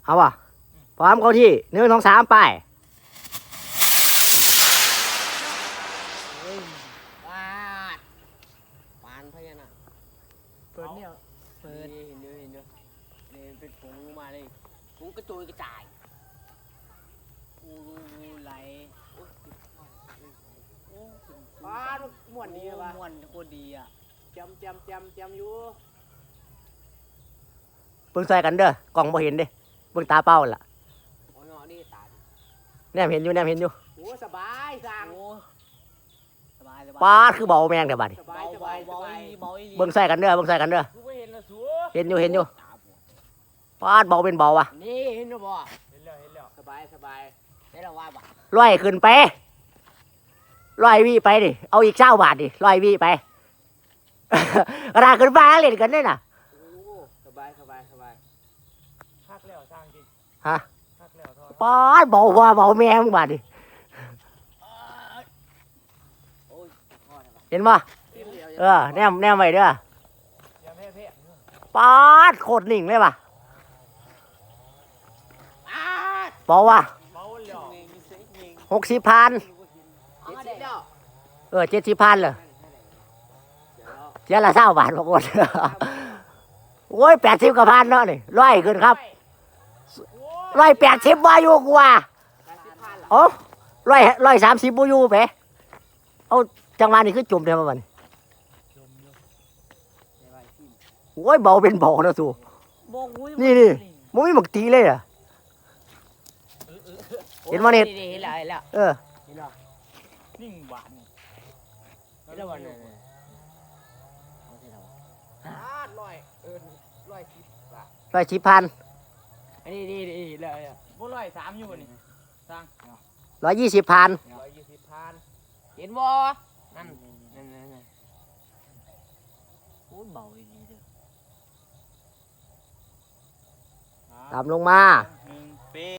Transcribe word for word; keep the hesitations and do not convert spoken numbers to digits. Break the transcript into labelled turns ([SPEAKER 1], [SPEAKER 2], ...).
[SPEAKER 1] เอาป่ะพร้อมเข้าที่หนึ่งสองสามไป
[SPEAKER 2] ปาดปานพญานาคเปิดเนี่ยเปิดเห็นเยอะเห็นเยอะเนี่ยเป็นผงมาเลยผงกระจุยกระจายอูรูไหลปาดม่วนดีป่ะม่วนโคตรดีอ่ะจำจำจำจำอยู่
[SPEAKER 1] เบิ่งใส่กันเด้อกล่องบ่เห็นเด้เบิ่งตาเป้าล่ะ
[SPEAKER 2] โอ้ยนี่ตา
[SPEAKER 1] แนมเห็นอยู่แนมเห็นอยู่
[SPEAKER 2] โอ้สบายสั่งสบายสบาย
[SPEAKER 1] ปาดคือเบาแมงเด้อบัดนี้
[SPEAKER 2] สบายสบายสบาย
[SPEAKER 1] เบิ่งใส่กันเด้อเบิ่งใส่กันเด้อเห็นอยู่เห็นอยู่ปาดเบาเป็นเบาวะ
[SPEAKER 2] นี่เห็นหรือบ่เห็นแล้วเห็นแล้วสบายสบายได้แล้วว่าบ่
[SPEAKER 1] ร้อยขึ้นไปร้อยวิไปดิเอาอีกเก้าบาทดิร้อยวิไป ราขึ้นฟ้าเล่นกันได้น่ะ
[SPEAKER 2] โอ้สบายสบายสบายคักแล้วสร้างจริง
[SPEAKER 1] ฮะ
[SPEAKER 2] คักแล้วทอด
[SPEAKER 1] ปาดเบาว่าเบาแมงบาดดิเห็นป่ะเออแนมแนมไว้เด้อปาดโคตรนิ่งเลยป่ะเบาว่ะหกสิบพันเออเจ็ดสิบพันเลยเสียละเศร้าบาทบางคนโอ้ยแปดสิบกว่าพันเนาะนี่ร้อยขึ้นครับร้อยแปดสิบวาอยู่กว่าโอ้ร้อยร้อยสามสิบบูยูไปเอาจังหวะนี้คือจุ่มเดียวมันโอ้ยเบาเป็นเบานะสูนี่นี่มันไม่หมกตีเลยอ่ะเห็นมั้ยเนี่ย
[SPEAKER 2] เห็นแล้วเห็นแล้ว
[SPEAKER 1] เออ
[SPEAKER 2] เห็นแล้วนิ่งหวานเห็นแล้ววันนี้ร้อยเออร้อยสิบบาท
[SPEAKER 1] ร้อยสิบพัน
[SPEAKER 2] อันนี้นี่นี่เลยอ่ะพวกร้อยสามอยู่นี่สร้าง
[SPEAKER 1] ร้อยยี่สิบพัน
[SPEAKER 2] ร้อยยี่สิบพันเห็นบ่นั่นนั่นนั่นนั่นโอ้เบาดีเด้อ
[SPEAKER 1] ตามลงมา